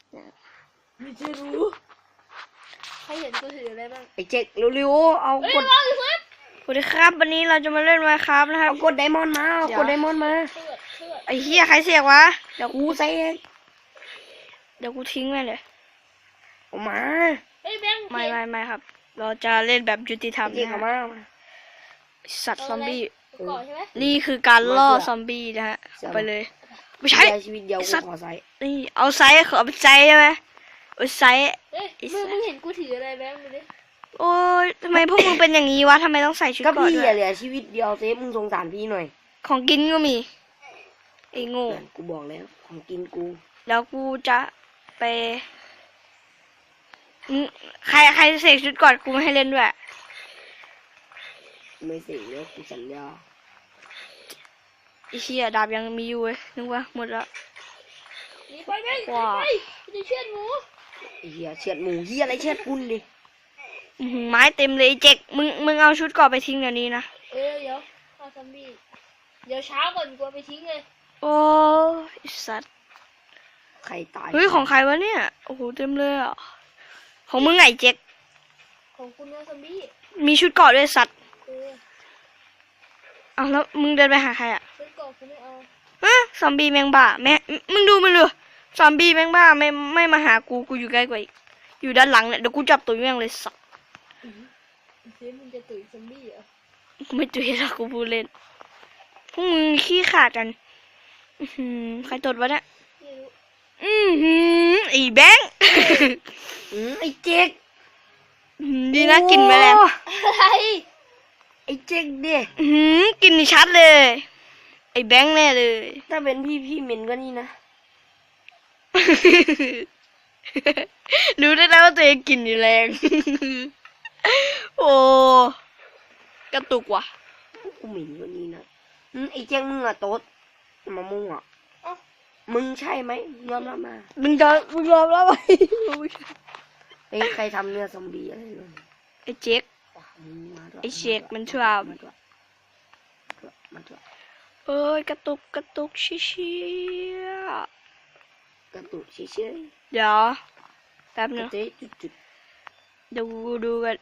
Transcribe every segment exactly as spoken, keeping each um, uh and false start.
ไม่จะรู้ใครเห็นกูถืออะไรบ้างไอ้เจ๊กเร็วๆเอากดสวัสดีครับวันนี้เราจะมาเล่นไมค์ครับนะครับเอากดไดมอนด์มาเอากดไดมอนด์มาไอ้เหี้ยใครเสียกวะเดี๋ยวกูใส่เองเดี๋ยวกูทิ้งแม่เลยเอามาไม่ไม่ไม่ครับเราจะเล่นแบบยุติธรรมนะฮะสัตว์ซอมบี้นี่คือการล่อซอมบี้นะฮะไปเลยไม่ใช่ชีวิตเดียวกูขอใส่นี่เอาไซส์ขอเป็นไซส์ใช่ไหมเอาไซส์มึงมึงเห็นกูถืออะไรแบงค์ดูดิโอ้ยทำไมพวกมึงเป็นอย่างนี้วะทำไมต้องใส่ชุดก็เกราะพี่ด้วยเหลือชีวิตเดียวเซฟมึงสงสารพี่หน่อยของกินก็มีไอ้โง่กูบอกแล้วของกินกูแล้วกูจะไปใครใครเสกชุดก่อนกูไม่ให้เล่นด้วยไม่เสกแล้วกูสัญญาไอ้เชี่ยดาบยังมีอยู่เว้ยนึกว่าหมดแล้วไปไปว้าจะเชือดหมูเฮียเชือดหมูเฮียอะไรเชือดปุ้นดิไม้เต็มเลยเจ๊กมึงมึงเอาชุดก่อนไปทิ้งเดี๋ยวนี้นะเออเดี๋ยวเอาซอมบี้เดี๋ยวเช้าก่อนกูไปทิ้งเลยโอ้ยสัตว์ใครตายเฮ้ยของใครวะเนี่ยโอ้โหเต็มเลยอ่ะของมึงไงเจ๊กของคุณนะซอมบี้มีชุดเกราะด้วยสัตว์เอาแล้วมึงเดินไปหาใครอ่ะชุดเกราะกูไม่เอาฮะซอมบี้แมงบ้าแม่มึงดูมึงดูซอมบี้แมงบ้าไม่ไม่มาหากูกูอยู่ใกล้กว่าอีกอยู่ด้านหลังเนี่ยเดี๋ยวกูจับตัวแม่งเลยสัตว์เจ๊มึงจะตุ๋ยซอมบี้เหรอกูไม่ตุ๋ยหรอกกูพูดเล่นพวกมึงขี้ขาดกันอืมใครตดวะเนี่ยอืมไอ้แบงค์ไอ้เจ๊กดีนะกินไปแล้วอะไรไอ้เจ๊กเด็กกินชัดเลยไอ้แบงค์แน่เลยถ้าเป็นพี่พี่เหม็นก็นี่นะรู้ได้แล้วว่าตัวเองกินอยู่แรงโอ้กระตุกว่ะกูเหม็นก็นี่นะไอ้เจ๊กมึงอะโต๊ดมามุ่งอะมึงใช่ไหมยอมรับมามึงจะมึงยอมรับไหมไอ้ใครทำเนื้อซอมบี้อะไรเลยไอ้เจ๊กไอ้เช็กมันชอบเอ้ยกระตุกกระตุกชิชิกระตุกชิชิเดี๋ยวแป๊บนึงจุดๆดูดูกัน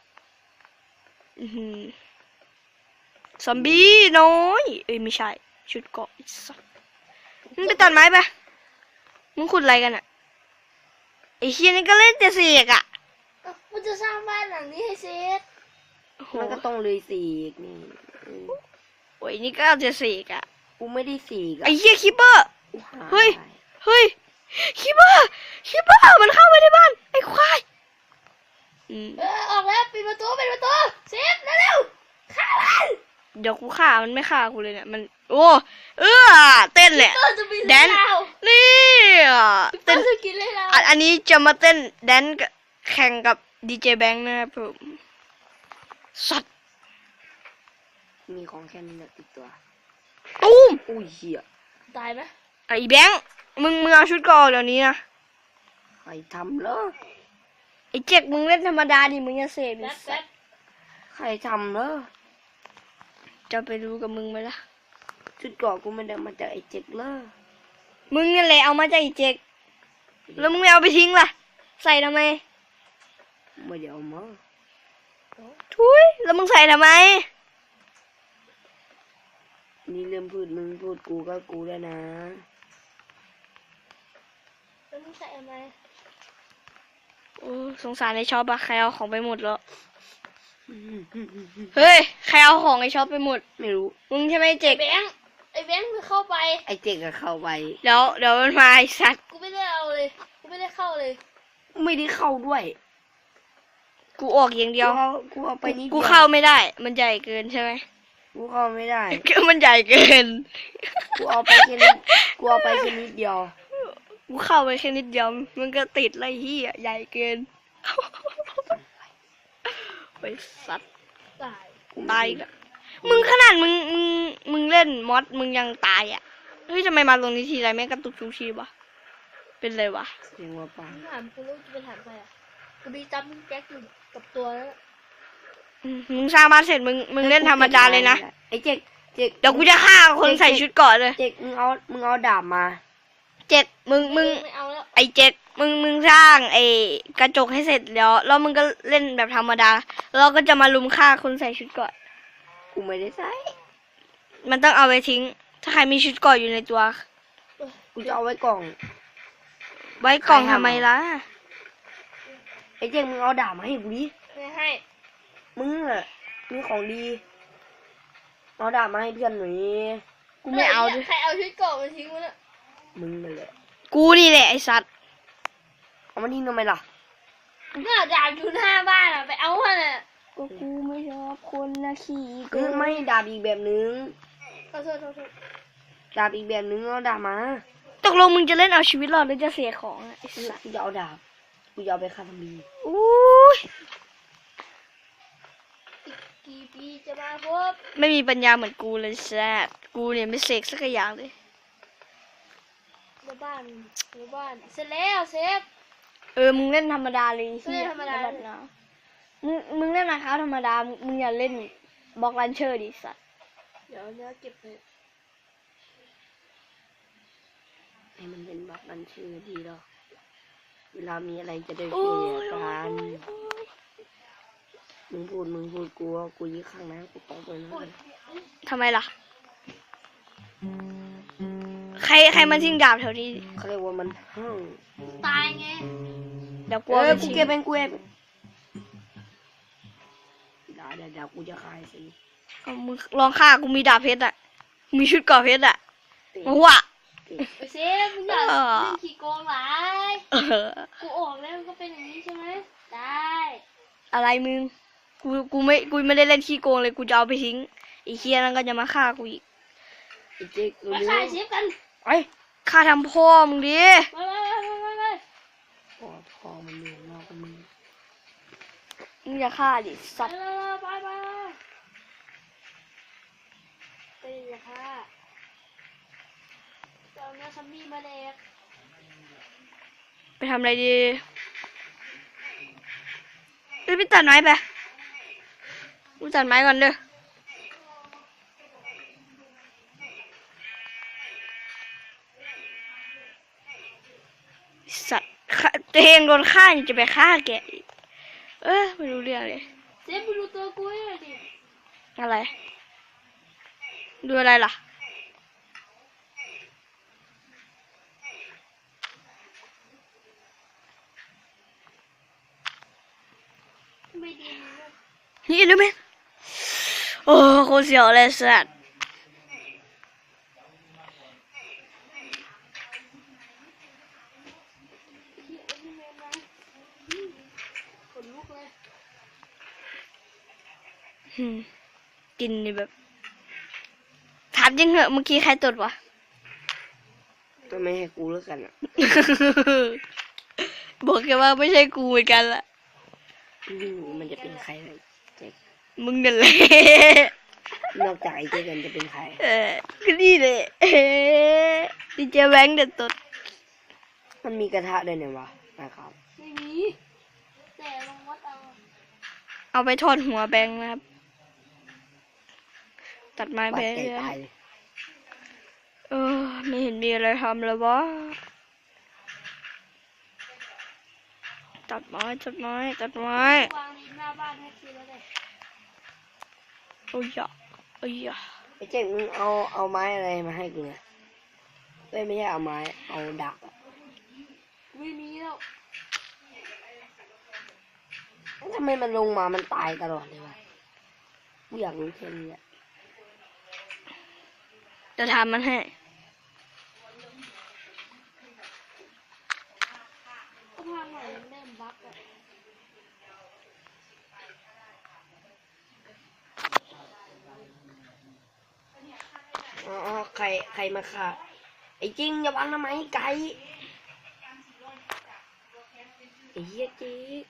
ซอมบี้น้อยเอ้ยไม่ใช่ชุดเกาะสักมึงไปตัดไม้ไปมึงขุดอะไรกันอ่ะไอ้เฮียนี่ก็เล่นแต่เสียกอ่ะมันจะสร้างบ้านหลังนี้ให้เสร็จมันก็ต้องเลยสีกนี่โอ้ยนี่ก็เอาจะสีกอ่ะกูไม่ได้สีกไอ้เฮียคิปเปอร์เฮ้ยเฮ้ยคิปเปอร์คิปเปอร์มันเข้าไปในบ้านไอ้ควายเออออกแล้วปิดประตูปิดประตูเซฟเร็วๆฆ่ามันเดี๋ยวกูฆ่ามันไม่ฆ่ากูเลยเนี่ยมันโอ้เออเต้นแหละแดนนี่เต้นจะกินเลยแล้วอันนี้จะมาเต้นแดนแข่งกับดีเจแบงค์นะครับผมสัตว์มีของแค่นี้ติดตัวตุ้มอุ้ยเหี้ยตายไหมไอ้แบงค์มึงมึงเอาชุดก่อนเดี๋ยวนี้นะใครทำเหรอไอ้เจ๊กมึงเล่นธรรมดาดิมึงจะเสพดิใครทำเหรอจะไปรู้กับมึงไหมล่ะชุดก่อนกูไม่ได้มาจากไอ้เจ๊กเลยมึงนี่แหละเอามาจากไอ้เจ๊กแล้วมึงไม่เอาไปทิ้งล่ะใส่ทำไมไม่เดี๋ยวมาทุยแล้วมึงใส่ทำไมนี่เริ่มพูดมึงพูดกูก็กูแล้วนะแล้วมึงใส่ทำไมโอ้สงสารไอ้ช็อปอะใครเอาของไปหมดแล้วเฮ้ยใครเอาของไอ้ช็อปไปหมดไม่รู้มึงใช่ไหมเจ๊กไอ้แบงค์ไอ้แบงค์มันเข้าไปไอ้เจ๊กก็เข้าไปเดี๋ยวเดี๋ยวมันมาไอ้สัตว์กูไม่ได้เอาเลยกูไม่ได้เข้าเลยไม่ได้เข้าด้วยกูออกอย่างเดียวกูเอาไปนี่กูเข้าไม่ได้มันใหญ่เกินใช่ไหมกูเข้าไม่ได้ก็มันใหญ่เกินกูเอาไปแค่นี้กูเอาไปแค่นิดเดียวกูเข้าไปแค่นิดเดียวมันก็ติดไรเหี้ยใหญ่เกินไปสัตว์ตายตายละมึงขนาดมึงมึงมึงเล่นมอสมึงยังตายอ่ะเฮ้ยทำไมมาตรงนี้ทีไรแม่งกระตุกทุกทีวะเป็นไรวะเสียงว่าปังถามกูรู้จะไปถามใครอ่ะกูมีจับมึงแก๊กอยู่กับตัวแล้วมึงสร้างบ้านเสร็จมึงมึงเล่นธรรมดาเลยนะไอ้เจ๊กเจ๊กเดี๋ยวกูจะฆ่าคนใส่ชุดเกราะเลยเจ๊กมึงเอามึงเอาดาบมาเจ๊กมึงมึงไอ้เจ๊กมึงมึงสร้างไอ้กระจกให้เสร็จแล้วแล้วมึงก็เล่นแบบธรรมดาแล้วเราก็จะมาลุมฆ่าคนใส่ชุดเกราะกูไม่ได้ใส่มันต้องเอาไปทิ้ง ถ้าใครมีชุดเกราะอยู่ในตัวกูจะเอาไว้กล่องไว้กล่องทำไมล่ะไอ้เจ๊งมึงเอาดาบมาให้กูดิไม่ให้มึงอะมีของดีเอาดาบมาให้เพื่อนหน่อยกูไม่เอาดิใครเอาชุดเกราะมาทิ้งวะเนี่ยมึงนั่นแหละกูนี่แหละไอ้สัตว์เอามาทิ้งทำไมล่ะก็ดาบอยู่หน้าบ้านอะไปเอามันอะก็กูไม่ชอบคนนะขี่เออไม่ดาบอีกแบบนึงขอโทษขอโทษดาบอีกแบบนึงเอาดาบมาตกลงมึงจะเล่นเอาชีวิตรอดหรือจะเสียของอะไอ้สัตว์กูจะเอาดาบกูจะเอาไปฆ่าซอมบี้อุ้ยกี่ปีจะมาพบไม่มีปัญญาเหมือนกูเลยแซดกูเนี่ยไม่เสกสักอย่างเลยหมู่บ้านหมู่บ้านเสร็จแล้วเซฟเออ มึงเล่นธรรมดาเลยเล่นธรรมดาแบบนะมึง มึงเล่นนะครับธรรมดา มึงมึงอย่าเล่นบล็อกลันเชอร์ดิสัตว์เดี๋ยวเนื้อเก็บไปให้มันเป็นบักนันชื่อดีหรอกเวลามีอะไรจะได้เคลียร์กันมึงพูดมึงพูดกูว่ากูยี่ข้างนะกูตอบไปนะทำไมล่ะ ใครใครมาทิ้งดาบแถวนี้เขาเรียกว่ามันห้างตายไงเดี๋ยวกูเอเอาอไปกูทิ้งเก็บเป็นกูเองเดี๋ยวเดี๋ยวเดี๋ยวกูจะขายสิเอามึงลองฆ่ากูมีดาบเพชรอ่ะ มีชุดเกราะเพชรอ่ะมาว่ะไปเซฟมึงอย่าเออเล่นขี้โกงหลายเออกูออกแล้วมันก็เป็นอย่างนี้ใช่ไหมได้อะไรมึง กู กูไม่ กูไม่ได้เล่นขี้โกงเลย กูจะเอาไปทิ้งไอ้เคียนั่นก็จะมาฆ่ากูอีกไอ้เจ๊กมารู้ฆ่าเซฟกันไอ้ฆ่าทำพ่อมึงดิไปไปไปไปไปปอดคอมันเหนื่อยมากมึงมึงอย่าฆ่าดิสัตว์ไปไปไปเลยค่ะจะเอาเนื้อซัมบี้มาแดกไปทำอะไรดีเอ้ยไปตัดไม้ไปกูตัดไม้ก่อนเด้อสัตว์ฆ่าตัวเองโดนฆ่ายังจะไปฆ่าแกอีกเออไม่รู้เรื่องเลยเซฟไปดูตัวกูให้หน่อยดิอะไร ดูอะไรล่ะไม่ดีนะนี่รู้ไหมโอ้โคตรเสียวเลยสัตว์ที่เอ็นเมนนะอืมขนลุกเลยอืมกินนี่แบบ ถามจริงเหอะเมื่อกี้ใครตดวะก็ไม่ให้กูแล้วกันอ่ะบอกแกว่าไม่ใช่กูเหมือนกันละอืมมันจะเป็นใครเลยเจ๊กมึงนั่นแหละนอกจากไอ้เจ๊กันจะเป็นใครเออก็นี่เลยเอ๊ะดีเจแบงค์เด็ดตดมันมีกระทะด้วยเนี่ยวะนะครับไม่มีแต่ลองวัดเอาเอาไปทอดหัวแบงค์นะครับ ตัดไม้ปัไปดใจเรื่อยตายเลยเออไม่เห็นมีอะไรทำเลยวะตัดไม้ตัดไม้ตัดไม้วางริมหน้าบ้านให้ทีแล้วเลยโอ้ยอะโอ้ยอะไอ้เจ๊กมึงเอาเอาไม้อะไรมาให้กูเนี่ยเอ้ยไม่ใช่เอาไม้เอาดาบอะไม่มีแล้วทำไมมันลงมามันตายตลอดเลยวะกูอยากรู้แค่นี้อะจะทำมันให้ก็ทางใหม่มันเริ่มบั๊กอะอ๋อใครใครมาฆ่าไอ้จริงอย่าวางทำไมไก่ไอ้เหี้ยเจ๊ก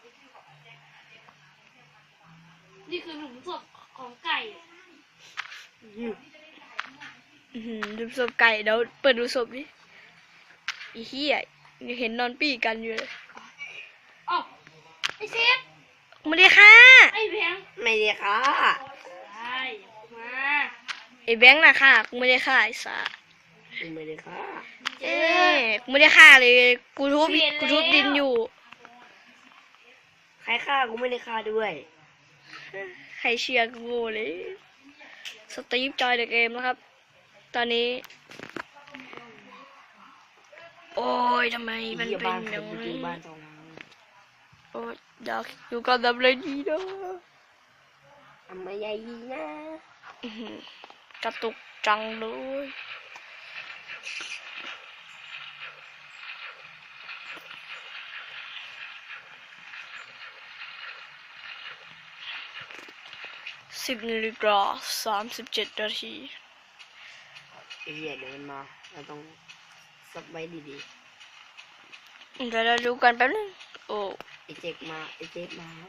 นี่คือหลุมศพของไก่อืมอื้อหือดูศพไก่เดี๋ยวเปิดดูศพดิอีเหี้ยยังเห็นนอนปี้กันอยู่เลยอ้าวไอ้เซฟไม่ได้ค่ะไอ้แบงค์ไม่ได้ค่ะได้มาไอ้แบงค์น่ะค่ะกูไม่ได้ค่ะไอ้สาไม่ได้ค่ะเจเอ๊อะกูไม่ได้ฆ่าเลย กูทุบเปลี่ยนกูทุบแล้วดินอยู่ใครฆ่ากูไม่ได้ฆ่าด้วยใครเชียร์กูเลย สตีฟจอยเดอะเกมนะครับ ตอนนี้ โอ้ยทำไมมันเหี้ยเป็นบ้านอผย่างมจรินี้งบ้านสองหลังโอ้ยอยากอยู่กับดับเลยดีนะทำไมใหญ่ดีนะอื้อหือกระตุกจังเลยสิบนาฬิกาสามสิบเจ็ดนาทีไอ้เหี้ยเดี๋ยวมันมาเราต้องซับไว้ดีเดี๋ยวเราดูกันแป๊บนึง โอ้ๆไอ้เจ๊กมาไอ้เจ๊กมาครับ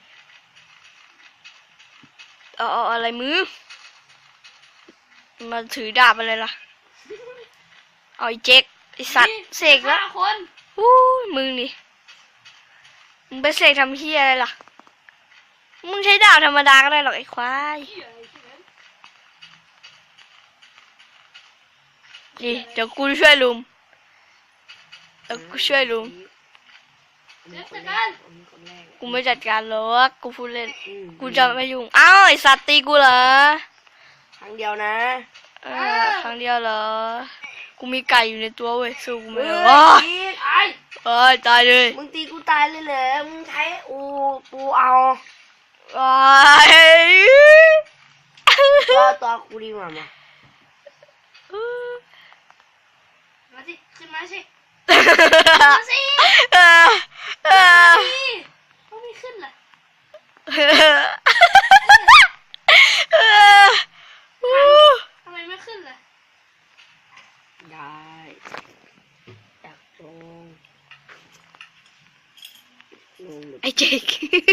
เอาเอาอะไรมือ มาถือดาบอะไรล่ะ เอาไอ้เจ๊กไอ้สัตว์เสกแล้วฆ่าคนอู้ยมึงนี่มึงไปเสกทำเฮียอะไรล่ะ มึงใช้ดาบธรรมดาก็ได้หรอกไอ้ควาย นี่เดี๋ยวกูช่วยลุมเดี๋ยวกูช่วยลุมอันนี้คนแรกอันนี้คนแรกกูไม่จัดการหรอกกูพูดเล่นอืมกูจะไม่ยุ่ง อ้าวไอ้สัตว์ตีกูเหรอครั้งเดียวนะเออครั้งเดียวเหรอ กูมีไก่อยู่ในตัวเว้ยสู้กูไม่เฮ้ได้ยโอ้ยอีกไอ้เอ้ยตายเลยมึงตีกูตายเลยเหรอมึงใช้อูปูเอาว้ายตัวตัวกูดีกว่ามามาสิขึ้นมาสิมาสิเออเออนี่เขาไม่ขึ้นล่ะเอออู้ทำไมไม่ขึ้นล่ะได้จักลงลงหรือไอ้เจ๊ก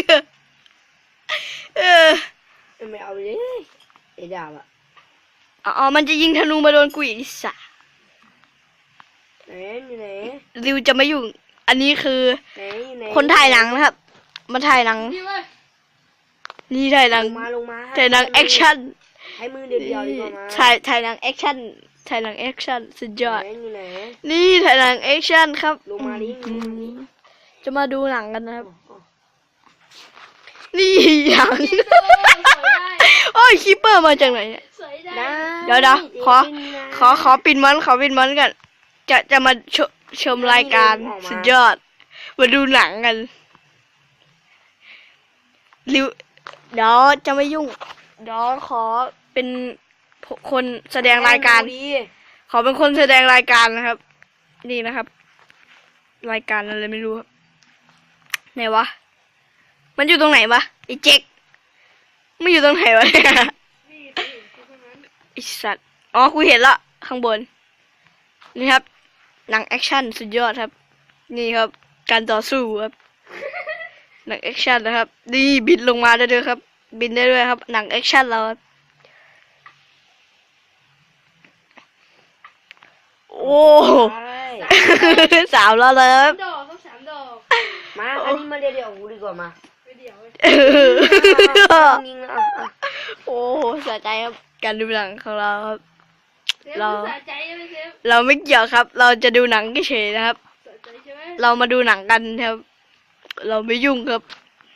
เออไม่เอาเลยไอ้ดาบอะอ๋อมันจะยิงธนูมาโดนกูอีกไอ้สัสไหนอยู่ไหนริวจะไม่ยุ่ง อันนี้คือไหนอยู่ไหนคนถ่ายหนังนะครับ มาถ่ายหนังพี่เว้ยนี่ถ่ายหนังลงมาลงมาถ่ายหนังแอคชั่นให้มือเดียวเดียวดีกว่ามาถ่ายถ่ายหนังแอคชั่น ถ่ายหนังแอคชั่นสุดยอดไหนอยู่ไหนนี่ถ่ายหนังแอคชั่นครับลงมาดิลงมาดิจะมาดูหนังกันนะครับอ๋อนี่หนังคิปเปอร์สวยได้โอ้ยคิปเปอร์มาจากไหนเนี่ยสวยได้ได้เดี๋ยวเดี๋ยวขอเจ๊เป็นนะขอขอปิดมันขอปิดมันกัน จะจะมาชมชมรายการสุดยอด มาดูหนังกันริวเดี๋ยวจะไม่ยุ่ง เดี๋ยวขอเป็นคนแสดงรายการดูดิขอเป็นคนแสดงรายการนะครับ นี่นะครับ รายการอะไรไม่รู้ครับไหนวะ มันอยู่ตรงไหนวะไอ้เจ๊กไม่อยู่ตรงไหนวะเนี่ยนี่ไปเห็นเขาตรงนั้นไอ้สัตว์อ๋อกูเห็นละข้างบนนี่ครับ หนังแอคชั่นสุดยอดครับ นี่ครับ การต่อสู้ครับ หนังแอคชั่นนะครับนี่บินลงมาได้ด้วยครับ บินได้ด้วยครับ หนังแอคชั่นเราครับโอ้ได้สาวแล้วเลยครับดอกต้องสามดอกมาอันนี้มาเดียวเดียวกูดีกว่ามาไปเดี๋ยวเว้ยยิงอ่ะอ่ะโอ้สะใจครับ การดูหนังของเราครับเซฟเราสะใจใช่ไหมเซฟเราไม่เกี่ยวครับ เราจะดูหนังเฉยๆนะครับสะใจใช่ไหมเรามาดูหนังกันครับ เราไม่ยุ่งครับ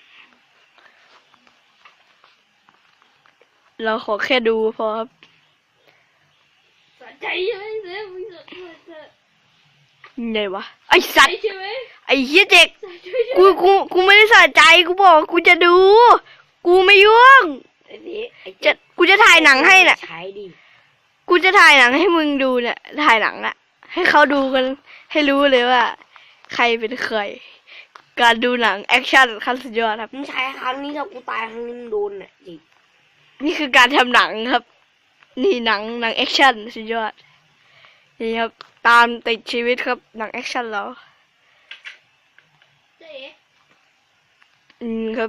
เราขอแค่ดูพอครับสะใจใช่ไหมเซฟมึงสะใจสะไงวะ ไอสัตว์ใช่ไหมไอเฮียเด็กสะใจใช่ไหมกู กู กูไม่ได้สะใจ กูบอกว่ากูจะดู กูไม่ยุ่งไอ้นี่ไอ้จะ กูจะถ่ายหนังให้น่ะใช้ดิกูจะถ่ายหนังให้มึงดูเนี่ย ถ่ายหนังอะให้เขาดูกัน ให้รู้เลยว่า ใครเป็นใคร การดูหนังแอคชั่นขั้นสุดยอดครับมึงใช้ครั้งนี้ถ้ากูตายครั้งนี้มึงโดนน่ะจริงนี่คือการทำหนังครับ นี่หนังหนังแอคชั่นสุดยอด นี่ครับ ตามติดชีวิตครับ หนังแอคชั่นเราเจ๊อืมครับ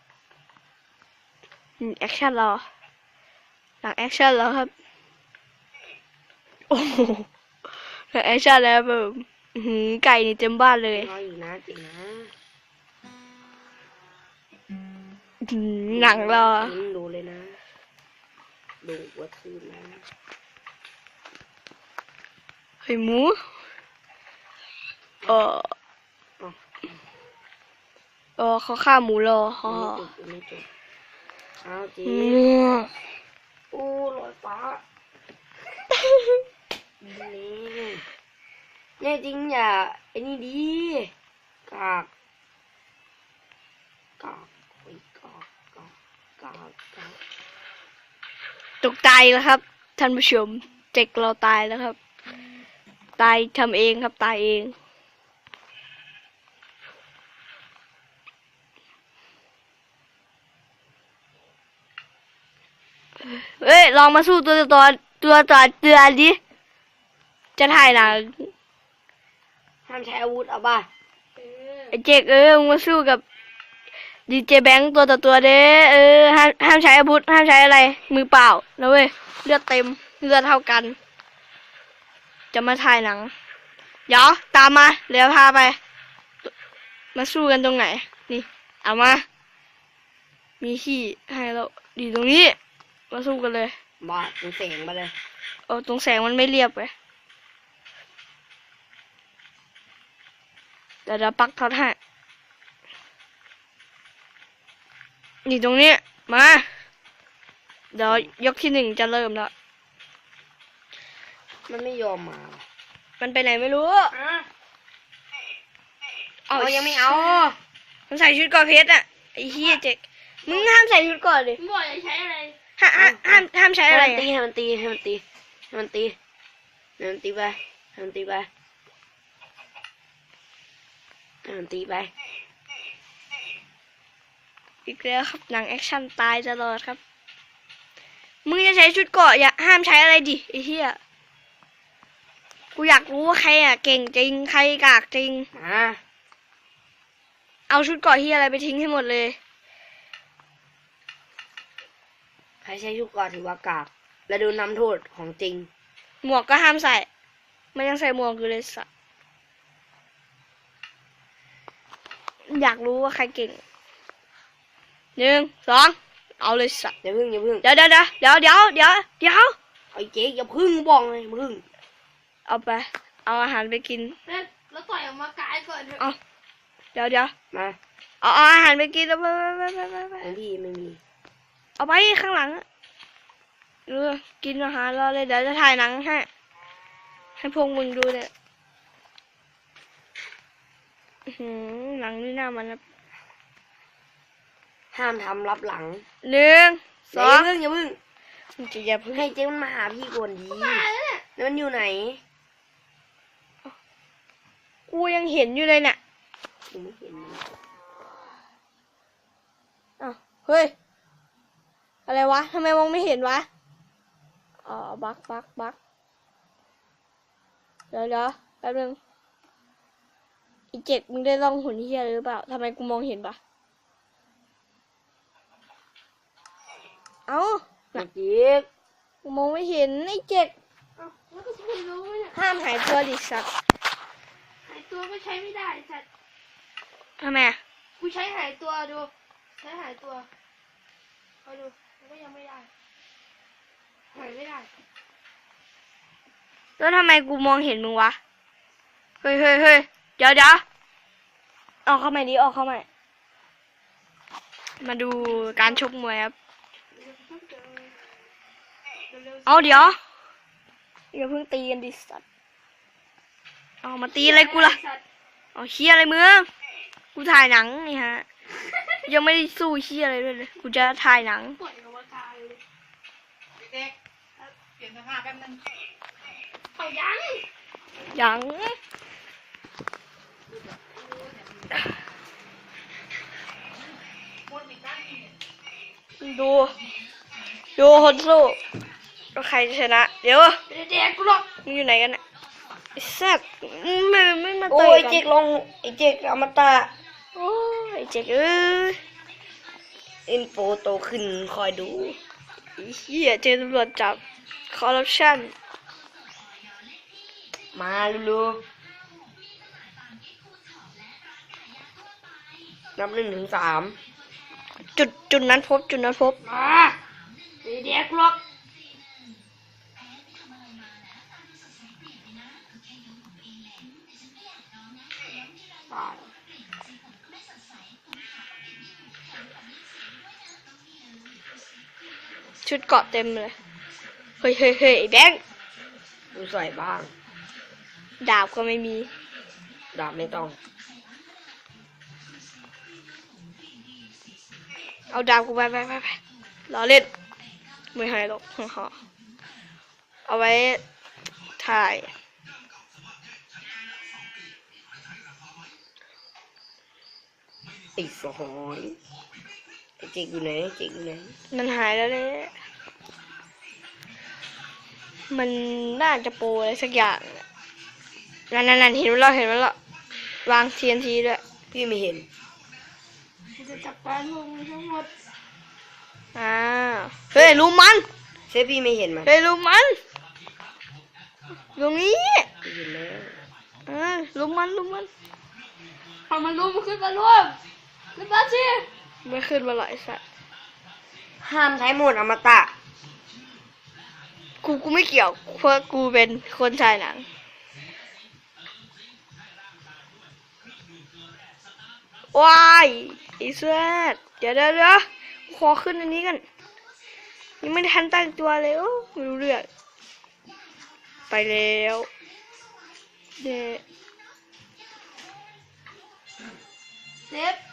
อืมแอคชั่นเรา หนังแอคชั่นเราครับ โอ้โหหนังแอคชั่นแล้วแบบอื้อหือไก่นี่เต็มบ้านเลยน้อยอยู่นะจริงนะอื้อหือหนังเราอันนี้มึงดูเลยนะดูหัวทืนนะเฮ้ยหมูเออเออเขาฆ่าหมูรอฮ่าไม่จบไม่จบเอาจีอืมโอ้ลอยฟ้านี่แน่จริงอย่าไอ้นี่ดีกากกากโอ้ยกากกากกากกากตกตายแล้วครับท่านผู้ชมเจ็กเราตายแล้วครับ ตายทำเองครับตายเองเฮ้ยลองมาสู้ตัวต่อตัวต่อเตือนดิจะถ่ายหนังห้ามใช้อาวุธเอาป่ะไอ้เจกเออมึงมาสู้กับดีเจแบงค์ตัวต่อตัวเด้เออห้ามห้ามใช้อาวุธห้ามใช้อะไร มือเปล่านะเว้ยเลือดเต็มเลือดเท่ากัน จะมาถ่ายหนังเดี๋ยวตามมาเดี๋ยวพาไป มาสู้กันตรงไหน นี่เอามา มีที่ให้เราดีตรงนี้ มาสู้กันเลยมาตรงเสียงมาเลยเออตรงแสงมันไม่เรียบไปเดี๋ยวเดี๋ยวปักท็อตให้นี่ตรงนี้มา เดี๋ยวยกที่หนึ่งจะเริ่มแล้วมันไม่ยอมมามันไปไหนไม่รู้เอายังไม่เอามันใส่ชุดเกราะเพชรอ่ะไอ้เหี้ยเจ๊กมึงห้ามใส่ชุดเกราะดิมึงบอกจะใช้อะไรห้ามห้ามห้ามห้ามใช้ให้อะไรมันตีอะให้มันตีให้มันตีให้มันตีให้มันตีไปให้มันตีไปให้มันตีไปอีกแล้วครับหนังแอคชั่นตายตลอดครับ มึงจะใช้ชุดเกราะอย่าห้ามใช้อะไรดิไอ้เหี้ยกูอยากรู้ว่าใครอ่ะเก่งจริงใครกากจริงมาเอาชุดเกราะเหี้ยอะไรไปทิ้งให้หมดเลยใครใช้ชุดเกราะถือว่ากากและดูน้ำโทษของจริงหมวกก็ห้ามใส่มันยังใส่หมวกอยู่เลยสัสอยากรู้ว่าใครเก่งหนึ่งสองเอาเลยสัสอย่าพึ่งอย่าพึ่งเดี๋ยวเดี๋ยวเดี๋ยวเดี๋ยวเดี๋ยวเดี๋ยวเดี๋ยวไอ้เจ๊อย่าพึ่งบอกเลยพึ่งเอาไป เอาอาหารไปกินแล้วแล้วต่อยออกมากายก่อนเถอะเอาเดี๋ยวเดี๋ยวมาเอาเอาอาหารไปกินแล้วไปไปไปไปไปของพี่ไม่มีเอาไปข้างหลังอะเออกินอาหารรอเลยเดี๋ยวจะถ่ายหนังให้ให้พวกมึงดูเลยอื้อหือหนังนี่น่ามันนะห้ามทำรับหลังหนึ่งสอย่าองพึ่งอย่าพึ่งมึงจะอย่าเพิ่งให้เจ๊มันมาหาพี่ก่อนดีมาแล้วเนี่ยแล้วมันอยู่ไหนกูยังเห็นอยู่เลยเนี่ยกูไม่เห็นมันอ้าวเฮ้ยอะไรวะทำไมมองไม่เห็นวะอ๋อบักบักบักเดี๋ยวเดี๋ยวแป๊บนึงอีเจ็ดมึงได้ล่องหุ่นเฮียอะไรหรือเปล่าทำไมกูมองเห็นปะเอ้าเมื่อกี้กูมองไม่เห็นไอ้เจ็ดเอ้าแล้วก็จะไปรู้ไหมเนี่ยห้ามหายตัวดิสัตว์หายตัวก็ใช้ไม่ได้สัตว์ทำไมอะกูใช้หายตัวดู ใช้หายตัวคอยดูมันก็ยังไม่ได้ หายไม่ได้แล้วทำไมกูมองเห็นมึงวะเฮ้ยเฮ้ยเฮ้ยเดี๋ยวเดี๋ยวออกเข้าใหม่ดิออกเข้าใหม่มาดูการชกมวยครับเอาเดี๋ยวอย่าเพิ่งตีกันดิสัตว์เอามาตีอะไรกูล่ะสัตว์เอาเชี่ยอะไรมึงกูถ่ายหนังนี่ฮะ ยังไม่ได้สู้เชี่ยอะไรด้วยเลย กูจะถ่ายหนังปล่อยออกมากายเลยเด็กๆเปลี่ยนเสื้อผ้าแป๊บนึงเอายังยังหมดอีกด้านหนึงดู ดูคนสู้แล้วใครจะชนะ เดี๋ยวเด็กๆกูหรอกมึงอยู่ไหนกันน่ะไอ้แซ่บไม่ไม่มาโอ้เตะยไอ้กัเจ๊นกลงไอ้เจ๊กอมตะโอ้ยไอ้เจ๊กเอ้ยอินโฟโตขึ้นคอยดูไอ้เหี้ยเจอตำรวจจับคอร์รัปชันมาลูนับหนึ่งถึงสามจุดจุดนั้นพบจุดนั้นพบมาเด็กๆกูหรอกชุดเกราะเต็มเลย เฮ้ยเฮ้ยเฮ้ยไอ้แบงค์กูใส่บ้างดาบก็ไม่มีดาบไม่ต้องเอาดาบกูไปไปไปไปรอเล่น ไม่ให้หรอก เอาไว้ถ่ายไอ้สหอยไอ้เจ๊กอยู่ไหนไอ้เจ๊กอยู่ไหนมันหายแล้วเลย มันน่าจะโปรอะไรสักอย่างน่ะนั่นนั่นนั่นเห็นมันแล้วเห็นมันแล้ววาง ที เอ็น ที ด้วยพี่ไม่เห็นกูจะจัดการพวกมึงทั้งหมดอ้าวเฮ้ยลุมมันเซฟพี่ไม่เห็นมันเฮ้ยลุมมันตรงนี้พี่เห็นแล้วเออลุมมันลุมมันพอมันรู้มันขึ้นมาร่วมขึ้นมาสิไม่ขึ้นมาหรอกไอ้สัสห้ามใช้โหมดอมตะกูกูไม่เกี่ยวเพราะกูเป็นคนฉายหนังว้ายไอ้เสื้อเดี๋ยวเดี๋ยวเดี๋ยวขอขึ้นอันนี้กันยังไม่ทันตั้งตัวเลยโอ้ไม่รู้เรื่องไปแล้วเดเซฟ